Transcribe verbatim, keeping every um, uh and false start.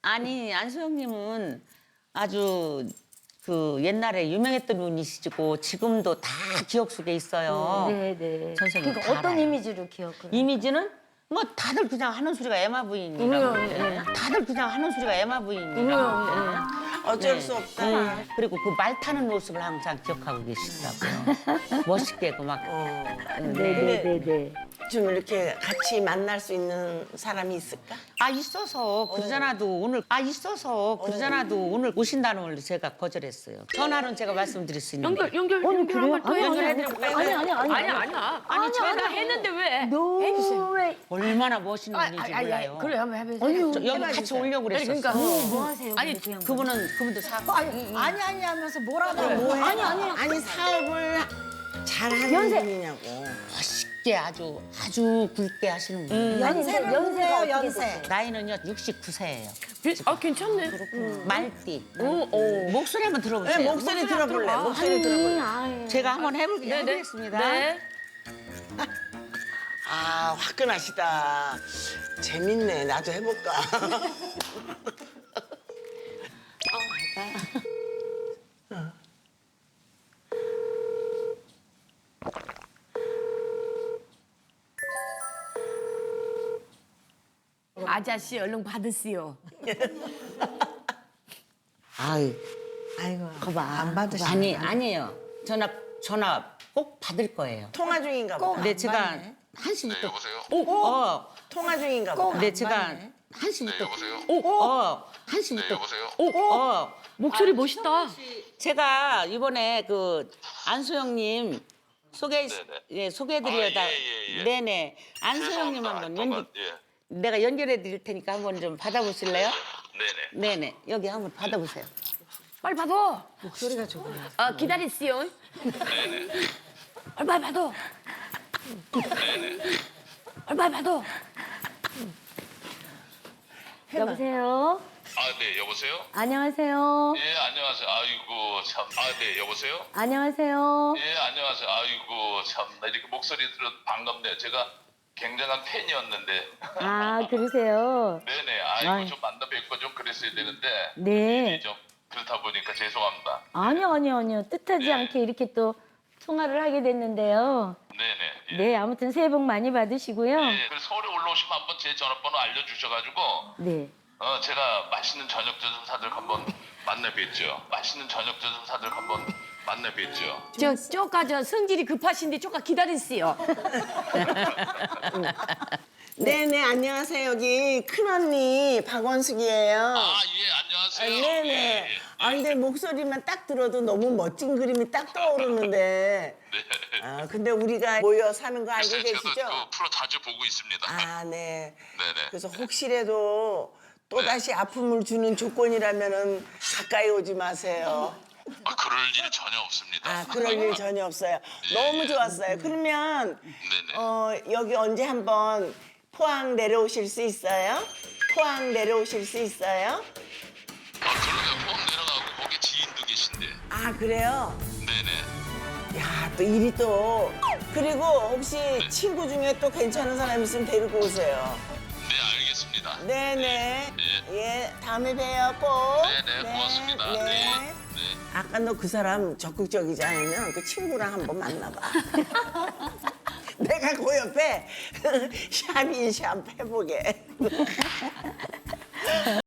아니 안소영님은 아주 그 옛날에 유명했던 분이시고 지금도 다 기억 속에 있어요. 네네. 선생님 그러니까 다 어떤 알아요. 이미지로 기억을? 이미지는 뭐 다들 그냥 하는 소리가 에마 부인이라고. 음, 예. 다들 그냥 하는 소리가 에마 부인이라고. 예. 어쩔 네. 수 없다. 음, 그리고 그 말 타는 모습을 항상 기억하고 계시더라고요. 멋있게 그 막. 어. 네네네네. 좀 이렇게 같이 만날 수 있는 사람이 있을까? 아 있어서 그러잖아도 오늘 아 있어서 그러잖아도 오늘 오신다는 걸 제가 거절했어요. 전화는 제가 말씀드릴 수 있는데. 연결 연결 아니, 연결 그래요? 한번 더 아니, 연결해드려볼까요? 아니, 아니, 아니, 아니 아니. 아니야. 아니, 아니 제가 제가 했는데 왜? 너 왜? 얼마나 멋있는 아, 분인지 아, 아, 몰라요. 그래 한번 해보세요. 아니요. 저 여기 같이 오려고 그랬었어. 그러니까. 뭐 하세요? 아니, 근데 그 양반? 그분은 그분도 사고. 아니 아니 하면서 뭐라고 뭐해? 아니, 아니. 아니 사업을 잘하는 연세. 분이냐고. 멋있게 아주 아주 굵게 하시는 분. 아니, 연세를 연세가 보세요, 어떻게 연세. 되세요? 나이는요 육십구 세예요. 아 괜찮네. 말띠. 오, 오. 목소리 한번 들어보세요. 네, 목소리 들어볼래. 들어봐. 목소리 들어볼래. 아유. 제가 한번 해볼, 네, 네. 해보겠습니다. 네. 아 화끈하시다. 재밌네. 나도 해볼까. 아저씨 얼른 받으시오. 아유, 아이고 거봐. 안 받으시네. 아니, 아니에요. 전화, 전화 꼭 받을 거예요. 통화 중인가 보다. 근데 제가 받네. 한 시부터. 네, 여보세요? 오, 어. 통화 중인가 보다. 근데 제가 맞네. 한 시부터. 네, 여보세요? 오, 어. 한 네, 시부터. 여보세요? 오, 어. 목소리 멋있다. 제가 이번에 그 안소영님 소개, 네네. 예, 소개해드려다. 아, 예, 예, 예. 네네. 안소영님 죄송합니다. 한번 잠깐만, 연기, 예. 내가 연결해 드릴 테니까 한번 좀 받아보실래요? 네네. 네네. 여기 한번 받아보세요. 빨리 받아. 목소리가 좋구나. 아 기다리시오. 빨리 빨리 받아. 빨리 빨리 받아. 여보세요? 아, 네, 여보세요? 안녕하세요? 예, 안녕하세요. 아이고, 참. 아, 네, 여보세요? 안녕하세요? 예, 안녕하세요. 아이고, 참. 나 이렇게 목소리 들어 반갑네요. 제가 굉장한 팬이었는데. 아, 그러세요? 네네. 아이고, 아이. 좀 만나 뵙고 좀 그랬어야 되는데. 네. 좀 그렇다 보니까 죄송합니다. 아니요, 아니요, 아니요. 뜻하지 네. 않게 이렇게 또 통화를 하게 됐는데요. 네네. 예. 네, 아무튼 새해 복 많이 받으시고요. 예, 그래서 서울에 올라오시면 한번 제 전화번호 알려주셔가지고. 네. 어, 제가 맛있는 저녁 좀 사들 한번 만나 뵙죠. 맛있는 저녁 좀 사들 한번 만나 뵙죠. 저 쪼까 저 성질이 급하신데 쪼까 기다리시오. 네네 안녕하세요. 여기 큰 언니 박원숙이에요. 아, 예, 아, 안녕하세요. 네네. 예, 예. 아 근데 목소리만 딱 들어도 너무 멋진 그림이 딱 떠오르는데. 네. 아 근데 우리가 모여 사는 거 알고 글쎄, 계시죠? 저도 그 프로 자주 보고 있습니다. 아 네. 네네. 그래서 혹시라도 또 다시 아픔을 주는 조건이라면은 가까이 오지 마세요. 아, 그럴 일 전혀 없습니다. 아 그럴 일 전혀 없어요. 너무 좋았어요. 그러면 네네. 어 여기 언제 한번 포항 내려오실 수 있어요? 포항 내려오실 수 있어요? 아, 그러면 포항 내려가고 거기 지인도 계신데. 아 그래요? 네네. 야 또 일이 또 그리고 혹시 친구 중에 또 괜찮은 사람 있으면 데리고 오세요. 네, 알겠습니다. 네네. 네. 예 다음에 봬요 꼭. 네네, 고맙습니다. 네. 네. 아까 너 그 사람 적극적이지 않으면 그 친구랑 한번 만나봐. 내가 그 옆에 샵인샵 해보게.